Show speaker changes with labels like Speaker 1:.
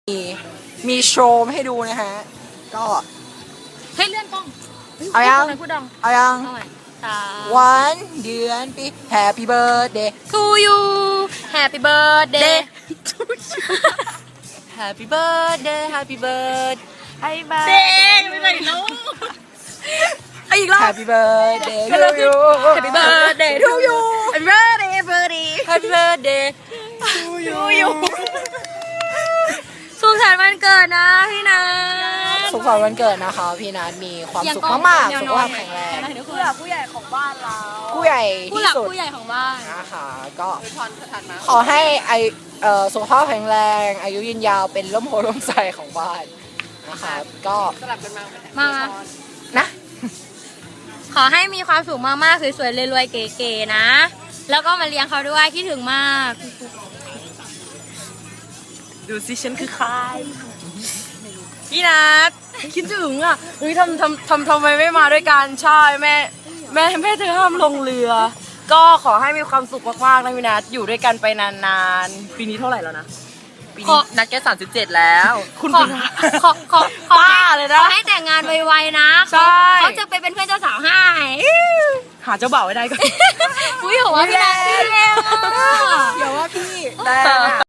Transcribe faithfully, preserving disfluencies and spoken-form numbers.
Speaker 1: มีโชว์ให้ดูนะฮะก็
Speaker 2: ให้เลื่อนกล้อง
Speaker 1: เอายัง
Speaker 2: พูดดัง
Speaker 1: เอายัง วันเดือนปี Happy birthday
Speaker 2: to you Happy birthday
Speaker 1: to you Happy birthday Happy birthday
Speaker 2: Happy birthday ไม่ได้แล้วอีกรอบ
Speaker 1: Happy birthday to you
Speaker 2: Happy birthday to you Happy birthday birthday
Speaker 1: Happy birthday
Speaker 2: to you สุขสันต์วันเกิดนะพี่นัท
Speaker 1: สุขสันต์วันเกิดนะคะพี่นัทมีความสุขมากๆสุขภาพแข็งแรง
Speaker 2: ผู้หลักผู้ใหญ่ของบ้านเรา
Speaker 1: ผู้ใหญ่
Speaker 2: ผู้ห
Speaker 1: ที่
Speaker 2: ลัก
Speaker 1: สุด
Speaker 2: ผู้ใหญ่ของบ้าน
Speaker 1: นะคะก็ขอให้ไอเอ่อสุขภาพแข็งแรงอายุยืนยาวเป็นร่มโพล่มใสของบ้านนะคะก็สลับกันมา
Speaker 2: มา
Speaker 1: นะ
Speaker 2: ขอให้มีความสุขมากๆสวยๆรวยๆเก๋ๆนะแล้วก็มาเลี้ยงเขาด้วยคิดถึงมาก
Speaker 3: ดูสิฉันคือใครพี่นัทคิดถึงอ่ะเฮ้ยทำทำทำทำไมไม่มาด้วยกันใช่แม่แม่แม่เธอห้ามลงเรือก็ขอให้มีความสุขมากๆนะพี่นัทอยู่ด้วยกันไปนานๆปีนี้เท่าไหร่แล้วนะปีนี้นัทแค่สามสิบเจ็ดแล้วคุณขอ
Speaker 2: ขอขอขอ
Speaker 3: ป้าเลยนะ
Speaker 2: ขอให้แต่งงานไวๆนะ
Speaker 3: ใช่
Speaker 2: เขาจะไปเป็นเพื่อนเจ้าสาวให้
Speaker 3: หาเจ้าบ่าวไว้ได้ก็
Speaker 2: อุ้ยหัวพี่แดง
Speaker 1: อย่าว่าพี่แต่